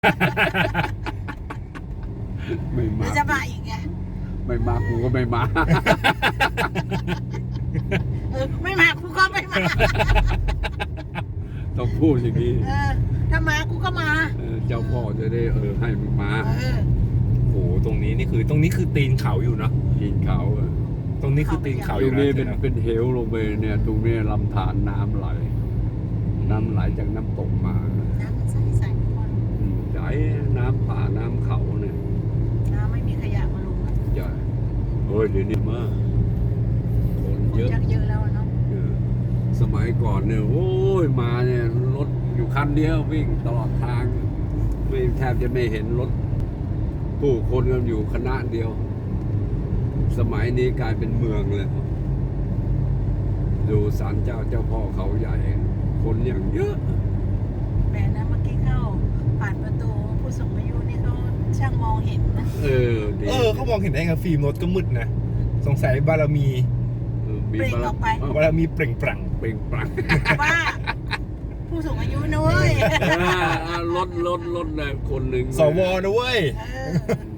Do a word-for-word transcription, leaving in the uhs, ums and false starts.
ไม่มาจะมาอีกไงไม่มากูก็ไม่มาเออไม่มากูก็ไม่มาต้องพูดอย่างนี้เออถ้ามากูก็มาเออเจ้าพ่อจะได้เออให้มึงมาเออโอ้โหตรงนี้นี่คือตรงนี้คือตีนเขาอยู่เนาะกินเขาอะตรงนี้คือตีนเขาตอรยู่งนะนี้เป็นจ๊ะเป็นเหวลงไปเนี่ย ตรงนี้ลำธารน้ำไหล น้ำไหลจากน้ำตกมาน้ำมันใสใสทุกคนอืมใหญ่น้ำป่าน้ำเขาเนี่ยน้ำไม่มีขยะมาลงอะใหญ่เฮ้ยเดี๋ยวนี้มากคนคนเยอะชักเยอะแล้วอะเนาะเออสมัยก่อนเนี่ยโอ้ยมาเนี่ยรถอยู่คันเดียววิ่งตลอดทาง ไม่แทบจะไม่เห็นรถผู้คนกันอยู่คณะเดียว สมัยนี้กลายเป็นเมืองเลย ดูศาลเจ้าเจ้าพ่อเขาใหญ่ คนอย่างเยอะแหมนะเมื่อกี้เข้าผ่านประตูผู้สูงอายุนี่เขาช่างมองเห็นนะเออดีเออเขามองเห็นได้ไงฟิล์มรถก็มืดนะสงสัยบารมีเออมีเปล่งบารออกไปบารมีเปล่งปลั่งเปล่งปลั่งว่าผู้สูงอายุนะเว้ยเออรถรถรถนะคนหนึ่งสวนะเว้ยเออ